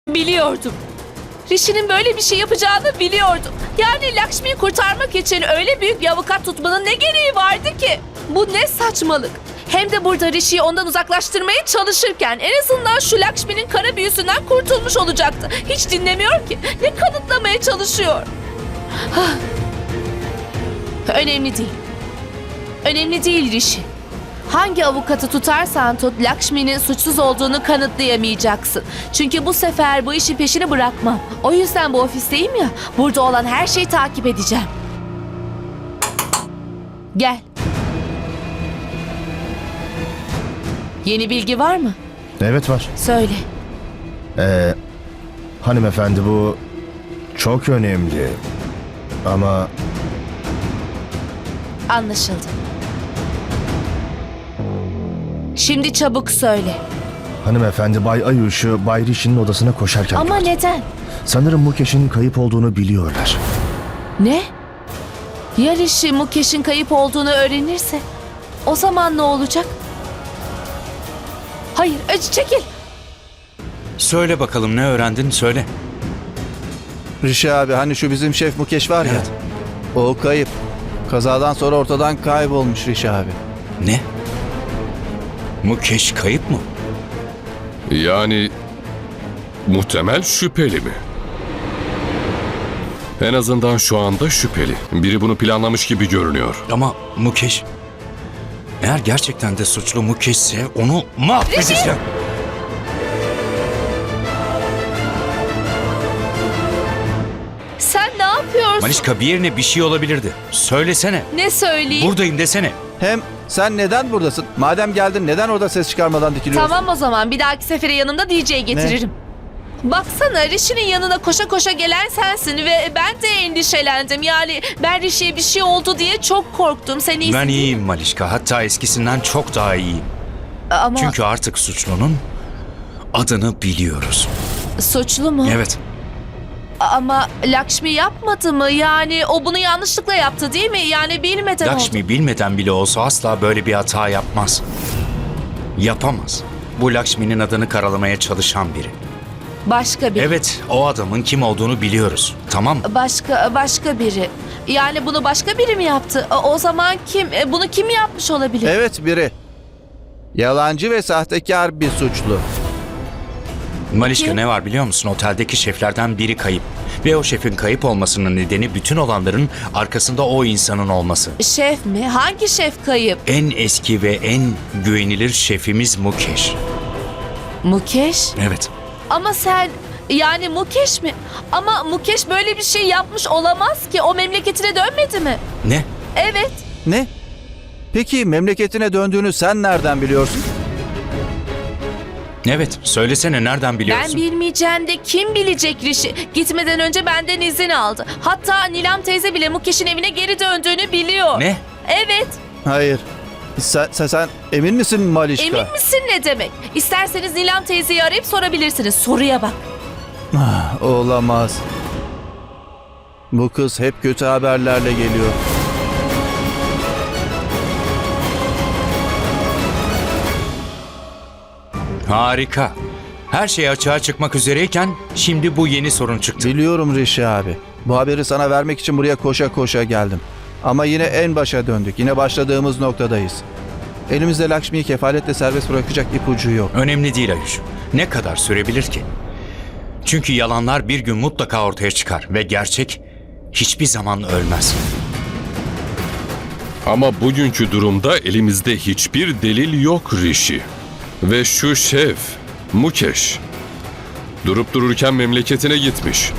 Biliyordum. Rishi'nin böyle bir şey yapacağını biliyordum. Yani Lakshmi'yi kurtarmak için öyle büyük bir avukat tutmanın ne gereği vardı ki? Bu ne saçmalık. Hem de burada Rishi'yi ondan uzaklaştırmaya çalışırken en azından şu Lakshmi'nin kara büyüsünden kurtulmuş olacaktı. Hiç dinlemiyor ki. Ne kanıtlamaya çalışıyor? Hah. Önemli değil. Önemli değil Rishi. Hangi avukatı tutarsan tut Lakshmi'nin suçsuz olduğunu kanıtlayamayacaksın. Çünkü bu sefer bu işin peşini bırakmam. O yüzden bu ofisteyim ya, burada olan her şeyi takip edeceğim. Gel. Yeni bilgi var mı? Evet var. Söyle. Hanımefendi bu çok önemli. Ama Anlaşıldı. Şimdi çabuk söyle. hanımefendi Bay Ayuş'u Bay Rishi'nin odasına koşarken Ama gördüm. neden? Sanırım Mukesh'in kayıp olduğunu biliyorlar. Ne? Ya Rishi Mukesh'in kayıp olduğunu öğrenirse? O zaman ne olacak? Hayır, çekil. Söyle bakalım ne öğrendin söyle. Rishi abi hani şu bizim şef Mukesh var ya. Evet. O kayıp. Kazadan sonra ortadan kaybolmuş Rishi abi. Ne? Mukesh kayıp mı? Yani muhtemel şüpheli mi? En azından şu anda şüpheli. Biri bunu planlamış gibi görünüyor. Ama Mukesh... Eğer gerçekten de suçlu Mukesh'se onu mahvedeceğim. Sen ne yapıyorsun? Malişka bir yerine bir şey olabilirdi. Söylesene. Ne söyleyeyim? Buradayım desene. Hem sen neden buradasın? Madem geldin neden orada ses çıkarmadan dikiliyorsun? Tamam o zaman bir dahaki sefere yanımda DJ getiririm. Baksana Rishi'nin yanına koşa koşa gelen sensin ve ben de endişelendim. Yani ben Rishi'ye bir şey oldu diye çok korktum. Sen iyisin Ben değil mi? iyiyim Malişka. Hatta eskisinden çok daha iyiyim. Ama Çünkü artık suçlunun adını biliyoruz. suçlu mu? Evet. Ama Lakshmi yapmadı mı? Yani o bunu yanlışlıkla yaptı değil mi? Yani bilmeden oldu. Lakshmi bilmeden bile olsa asla böyle bir hata yapmaz. Yapamaz. Bu Lakshmi'nin adını karalamaya çalışan biri. Başka biri. Evet, o adamın kim olduğunu biliyoruz. Tamam mı? Başka biri. Yani bunu başka biri mi yaptı? O zaman kim? Bunu kim yapmış olabilir? Evet biri. Yalancı ve sahtekar bir suçlu. Malişka Kim? ne var biliyor musun? Oteldeki şeflerden biri kayıp. Ve o şefin kayıp olmasının nedeni bütün olanların arkasında o insanın olması. Şef mi? Hangi şef kayıp? En eski ve en güvenilir şefimiz Mukesh. Mukesh? Evet. Ama sen yani Mukesh mi? Ama Mukesh böyle bir şey yapmış olamaz ki. O memleketine dönmedi mi? Ne? Evet. Ne? Peki memleketine döndüğünü sen nereden biliyorsun? Evet, söylesene nereden biliyorsun? Ben bilmeyeceğim de kim bilecek Rishi? Gitmeden önce benden izin aldı. Hatta Nilam teyze bile Mukesh'in evine geri döndüğünü biliyor. Ne? Evet. Hayır. Sen emin misin Malişka? Emin misin ne demek? İsterseniz Nilam teyzeyi arayıp sorabilirsiniz. Soruya bak. Olamaz. Bu kız hep kötü haberlerle geliyor. Harika. Her şey açığa çıkmak üzereyken şimdi bu yeni sorun çıktı. Biliyorum Rishi abi. Bu haberi sana vermek için buraya koşa koşa geldim. Ama yine en başa döndük. Yine başladığımız noktadayız. Elimizde Lakshmi'yi kefaletle serbest bırakacak ipucu yok. Önemli değil Ayuş. Ne kadar sürebilir ki? Çünkü yalanlar bir gün mutlaka ortaya çıkar ve gerçek hiçbir zaman ölmez. Ama bugünkü durumda elimizde hiçbir delil yok Rishi. Ve şu şef, Mukesh, durup dururken memleketine gitmiş.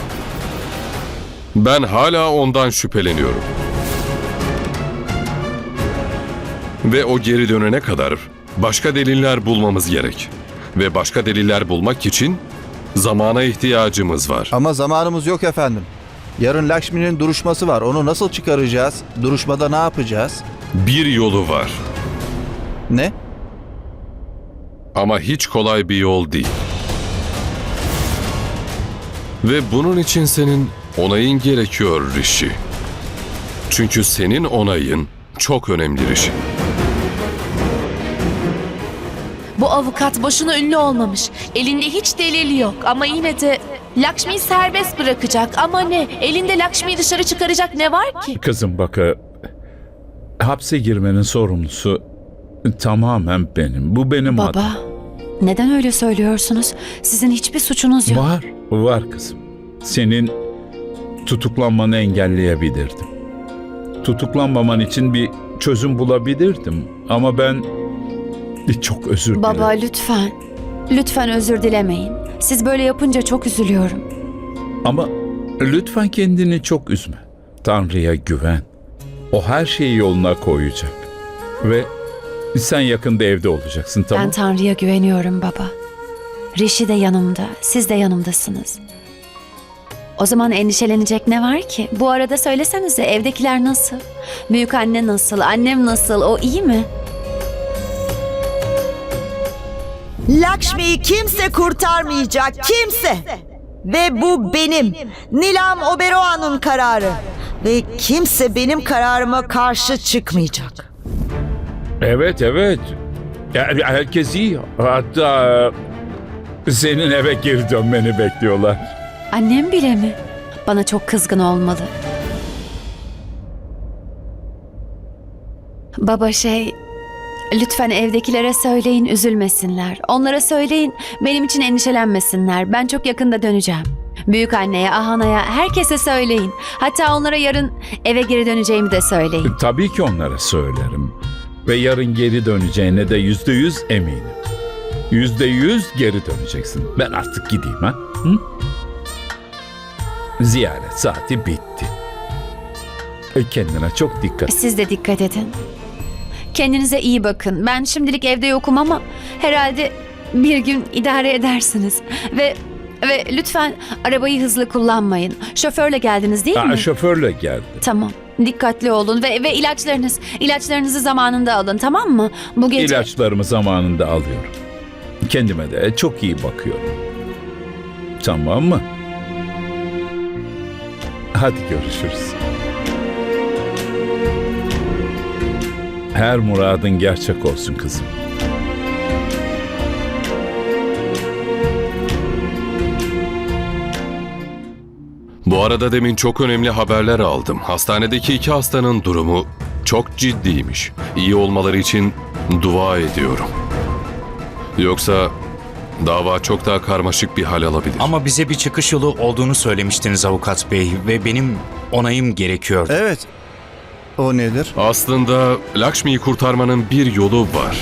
Ben hala ondan şüpheleniyorum. Ve o geri dönene kadar başka deliller bulmamız gerek. Ve başka deliller bulmak için zamana ihtiyacımız var. Ama zamanımız yok efendim. Yarın Lakshmi'nin duruşması var. Onu nasıl çıkaracağız? Duruşmada ne yapacağız? Bir yolu var. Ne? Ama hiç kolay bir yol değil. Ve bunun için senin onayın gerekiyor Rishi. Çünkü senin onayın çok önemli Rishi. Bu avukat boşuna ünlü olmamış. Elinde hiç delil yok ama yine de Lakshmi'yi serbest bırakacak. Ama ne? Elinde Lakshmi'yi dışarı çıkaracak ne var ki? Kızım bak, hapse girmenin sorumlusu tamamen benim. Bu benim Baba, hatam. neden öyle söylüyorsunuz? Sizin hiçbir suçunuz yok. Var kızım. Senin tutuklanmanı engelleyebilirdim. Tutuklanmaman için bir çözüm bulabilirdim. Ama ben çok özür dilerim. Baba lütfen, lütfen özür dilemeyin. Siz böyle yapınca çok üzülüyorum. Ama lütfen kendini çok üzme. Tanrı'ya güven. O her şeyi yoluna koyacak. Ve sen yakında evde olacaksın, tamam? Ben Tanrı'ya güveniyorum baba. Rishi de yanımda, siz de yanımdasınız. O zaman endişelenecek ne var ki? Bu arada söylesenize, evdekiler nasıl? Büyük anne nasıl? Annem nasıl? O iyi mi? Lakshmi'yi kimse kurtarmayacak, kimse. Ve bu benim, Nilam Oberoi'nun kararı. Ve kimse benim kararıma karşı çıkmayacak. Evet. Yani herkes iyi. Hatta senin eve geri dönmeni bekliyorlar. Annem bile mi? Bana çok kızgın olmalı. Baba lütfen evdekilere söyleyin üzülmesinler. Onlara söyleyin benim için endişelenmesinler. Ben çok yakında döneceğim. Büyük anneye, Ahana'ya, herkese söyleyin. Hatta onlara yarın eve geri döneceğimi de söyleyin. Tabii ki onlara söylerim. Ve yarın geri döneceğine de %100 eminim. %100 geri döneceksin. Ben artık gideyim ha? Hı? Ziyaret saati bitti. Kendine çok dikkat et. Siz de dikkat edin. Kendinize iyi bakın. Ben şimdilik evde yokum ama herhalde bir gün idare edersiniz. Ve lütfen arabayı hızlı kullanmayın. Şoförle geldiniz değil mi? Şoförle geldi. Tamam. Dikkatli olun ve ilaçlarınızı zamanında alın, tamam mı? Bu gece İlaçlarımı zamanında alıyorum. Kendime de çok iyi bakıyorum. Tamam mı? Hadi görüşürüz. Her muradın gerçek olsun kızım. Bu arada demin çok önemli haberler aldım. Hastanedeki 2 hastanın durumu çok ciddiymiş. İyi olmaları için dua ediyorum. Yoksa dava çok daha karmaşık bir hal alabilir. Ama bize bir çıkış yolu olduğunu söylemiştiniz avukat bey ve benim onayım gerekiyordu. Evet. O nedir? Aslında Lakshmi'yi kurtarmanın bir yolu var.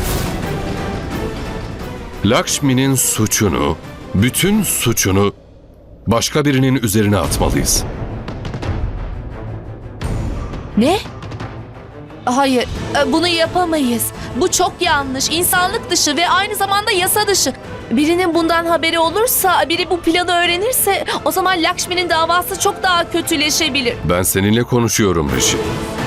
Lakshmi'nin suçunu, bütün suçunu başka birinin üzerine atmalıyız. Ne? Hayır, bunu yapamayız. Bu çok yanlış, insanlık dışı ve aynı zamanda yasa dışı. Birinin bundan haberi olursa, biri bu planı öğrenirse o zaman Lakshmi'nin davası çok daha kötüleşebilir. Ben seninle konuşuyorum Rishi.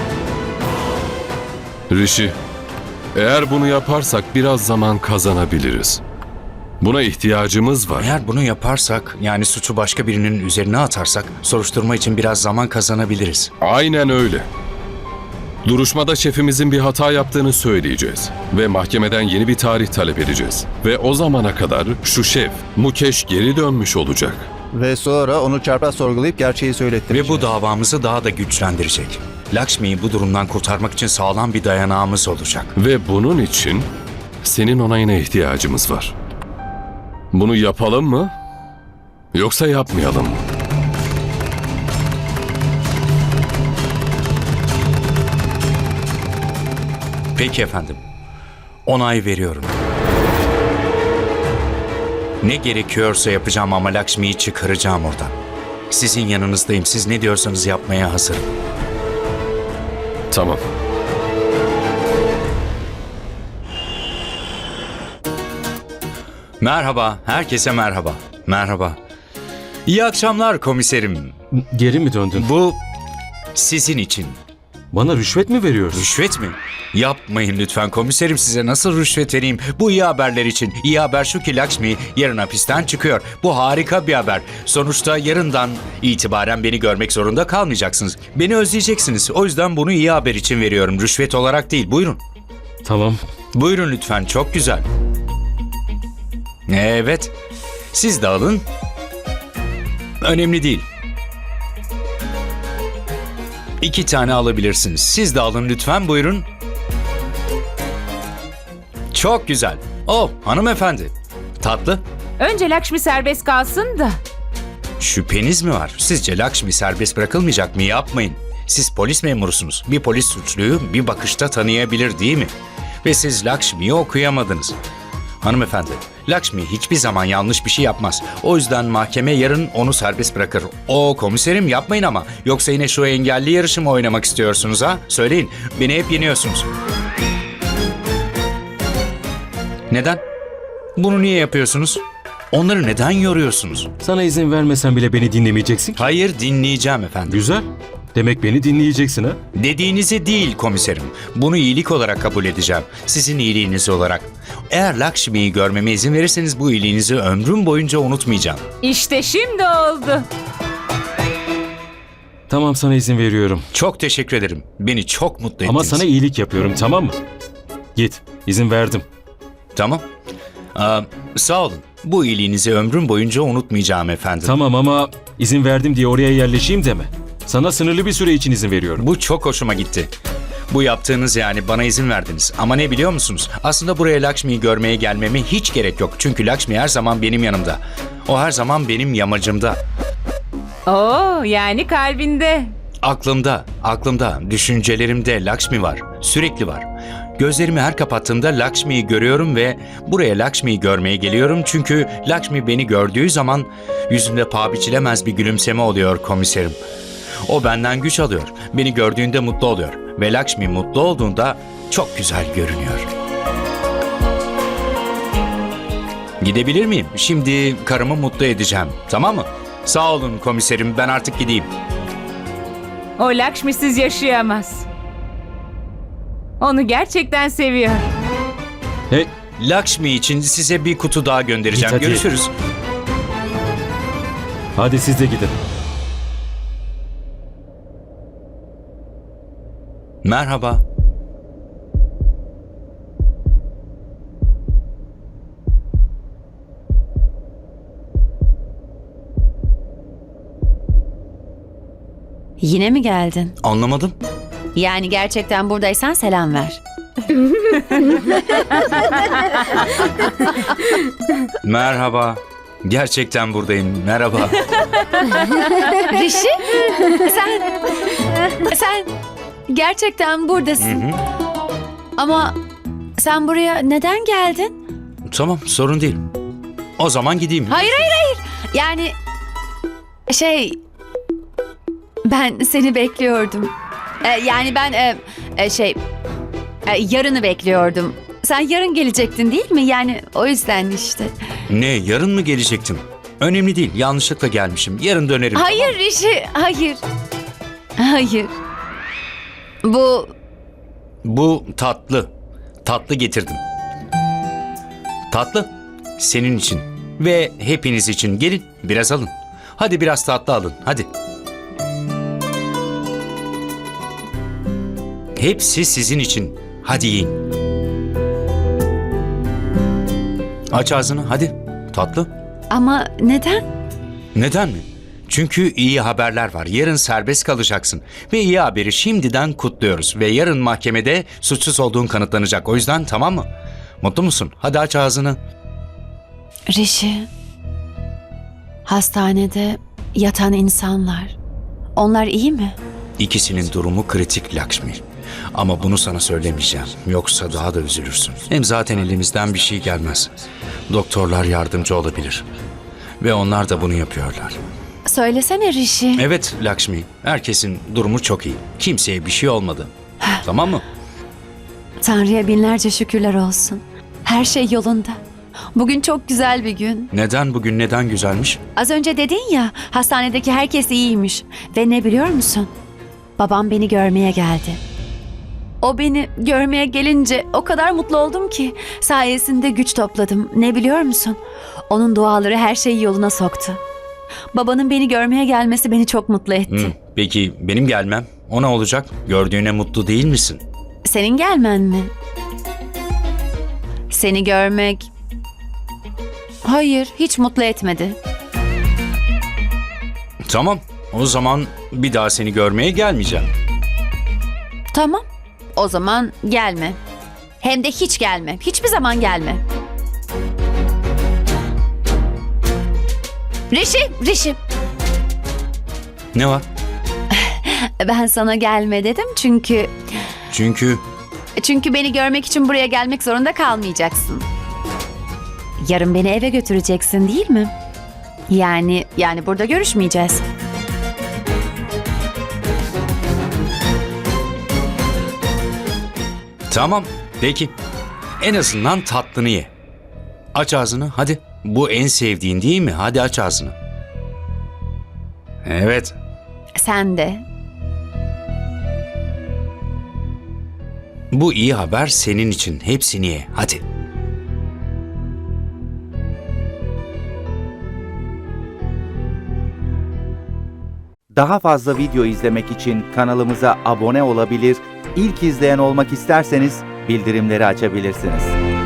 Rishi, eğer bunu yaparsak biraz zaman kazanabiliriz. Buna ihtiyacımız var. Eğer bunu yaparsak, yani suçu başka birinin üzerine atarsak soruşturma için biraz zaman kazanabiliriz. Aynen öyle. Duruşmada şefimizin bir hata yaptığını söyleyeceğiz. Ve mahkemeden yeni bir tarih talep edeceğiz. Ve o zamana kadar şu şef, Mukesh geri dönmüş olacak. Ve sonra onu çarpaz sorgulayıp gerçeği söylettireceğiz. Ve bu davamızı daha da güçlendirecek. Lakshmi'yi bu durumdan kurtarmak için sağlam bir dayanağımız olacak. Ve bunun için senin onayına ihtiyacımız var. Bunu yapalım mı? Yoksa yapmayalım mı? Peki efendim. Onay veriyorum. Ne gerekiyorsa yapacağım ama Lakshmi'yi çıkaracağım oradan. Sizin yanınızdayım. Siz ne diyorsanız yapmaya hazırım. Tamam. Merhaba. Herkese merhaba. Merhaba. İyi akşamlar komiserim. Geri mi döndün? Bu sizin için. Bana rüşvet mi veriyorsun? Rüşvet mi? Yapmayın lütfen komiserim, size nasıl rüşvet vereyim? Bu iyi haberler için. İyi haber şu ki Lakshmi yarın hapisten çıkıyor. Bu harika bir haber. Sonuçta yarından itibaren beni görmek zorunda kalmayacaksınız. Beni özleyeceksiniz. O yüzden bunu iyi haber için veriyorum. Rüşvet olarak değil. Buyurun. Tamam. Buyurun lütfen. Çok güzel. Evet. Siz de alın. Önemli değil. 2 tane alabilirsiniz. Siz de alın lütfen, buyurun. Çok güzel. Oh, hanımefendi. Tatlı. Önce Lakshmi serbest kalsın da. Şüpheniz mi var? Sizce Lakshmi serbest bırakılmayacak mı? Yapmayın. Siz polis memurusunuz. Bir polis suçluyu bir bakışta tanıyabilir, değil mi? Ve siz Lakshmi'yi okuyamadınız. Hanımefendi, Lakshmi hiçbir zaman yanlış bir şey yapmaz. O yüzden mahkeme yarın onu serbest bırakır. Komiserim, yapmayın ama. Yoksa yine şu engelli yarışı mı oynamak istiyorsunuz ha? Söyleyin, beni hep yeniyorsunuz. Neden? Bunu niye yapıyorsunuz? Onları neden yoruyorsunuz? Sana izin vermesen bile beni dinlemeyeceksin ki. Hayır, dinleyeceğim efendim. Güzel. Demek beni dinleyeceksin ha? Dediğinizi değil komiserim. Bunu iyilik olarak kabul edeceğim. Sizin iyiliğiniz olarak. Eğer Lakshmi'yi görmeme izin verirseniz bu iyiliğinizi ömrüm boyunca unutmayacağım. İşte şimdi oldu. Tamam, sana izin veriyorum. Çok teşekkür ederim. Beni çok mutlu ettiniz. Ama sana iyilik yapıyorum, tamam mı? Git, izin verdim. Tamam. Sağ olun. Bu iyiliğinizi ömrüm boyunca unutmayacağım efendim. Tamam ama izin verdim diye oraya yerleşeyim deme. Sana sınırlı bir süre için izin veriyorum. Bu çok hoşuma gitti. Bu yaptığınız, yani bana izin verdiniz. Ama ne biliyor musunuz? Aslında buraya Lakshmi'yi görmeye gelmeme hiç gerek yok. Çünkü Lakshmi her zaman benim yanımda. O her zaman benim yamacımda. Oo, yani kalbinde. Aklımda, düşüncelerimde Lakshmi var. Sürekli var. Gözlerimi her kapattığımda Lakshmi'yi görüyorum ve buraya Lakshmi'yi görmeye geliyorum. Çünkü Lakshmi beni gördüğü zaman yüzünde paha biçilemez bir gülümseme oluyor komiserim. O benden güç alıyor. Beni gördüğünde mutlu oluyor. Ve Lakshmi mutlu olduğunda çok güzel görünüyor. Gidebilir miyim? Şimdi karımı mutlu edeceğim. Tamam mı? Sağ olun komiserim, ben artık gideyim. O Lakshmi'siz yaşayamaz. Onu gerçekten seviyor. Hey, Lakshmi için size bir kutu daha göndereceğim. Git hadi. Görüşürüz. hadi siz de gidin. Merhaba. Yine mi geldin? Anlamadım. Yani gerçekten buradaysan selam ver. Merhaba. Gerçekten buradayım. Merhaba. Rişi, sen gerçekten buradasın. Ama sen buraya neden geldin? Tamam, sorun değil. O zaman gideyim. Hayır. Yani ben seni bekliyordum. Yani ben yarını bekliyordum. Sen yarın gelecektin değil mi? Yani o yüzden işte. Ne, yarın mı gelecektim? Önemli değil, yanlışlıkla gelmişim. Yarın dönerim. Hayır Rişi, hayır. Hayır. Bu tatlı. Tatlı getirdim. Tatlı. Senin için. Ve hepiniz için. Gelin, biraz alın. Hadi biraz tatlı alın, hadi. Hepsi sizin için. Hadi yiyin. Aç ağzını, hadi. Tatlı. Ama neden? Neden mi? Çünkü iyi haberler var. Yarın serbest kalacaksın. Ve iyi haberi şimdiden kutluyoruz. Ve yarın mahkemede suçsuz olduğun kanıtlanacak. O yüzden tamam mı? Mutlu musun? Hadi aç ağzını. Rişi, hastanede yatan insanlar, onlar iyi mi? İkisinin durumu kritik Lakshmi. Ama bunu sana söylemeyeceğim. Yoksa daha da üzülürsün. Hem zaten elimizden bir şey gelmez. Doktorlar yardımcı olabilir. Ve onlar da bunu yapıyorlar. Söylesene Rişi. Evet Lakshmi, herkesin durumu çok iyi. Kimseye bir şey olmadı. Tamam mı? Tanrı'ya binlerce şükürler olsun. Her şey yolunda. Bugün çok güzel bir gün. Neden bugün, neden güzelmiş? Az önce dedin ya, hastanedeki herkes iyiymiş. Ve ne biliyor musun? Babam beni görmeye geldi. O beni görmeye gelince o kadar mutlu oldum ki sayesinde güç topladım. Ne biliyor musun? Onun duaları her şeyi yoluna soktu. Babanın beni görmeye gelmesi beni çok mutlu etti. Peki benim gelmem, o ne olacak? Gördüğüne mutlu değil misin? Senin gelmen mi? Seni görmek Hayır, hiç mutlu etmedi. Tamam, o zaman bir daha seni görmeye gelmeyeceğim. Tamam. O zaman gelme. Hem de hiç gelme. Hiçbir zaman gelme. Rişi. Ne var? Ben sana gelme dedim çünkü beni görmek için buraya gelmek zorunda kalmayacaksın. Yarın beni eve götüreceksin değil mi? Yani burada görüşmeyeceğiz. Tamam, peki. En azından tatlını ye. Aç ağzını, hadi. Bu en sevdiğin değil mi? Hadi aç ağzını. Evet. Sen de. Bu iyi haber senin için. Hepsini ye. Hadi. Daha fazla video izlemek için kanalımıza abone olabilir, ilk izleyen olmak isterseniz bildirimleri açabilirsiniz.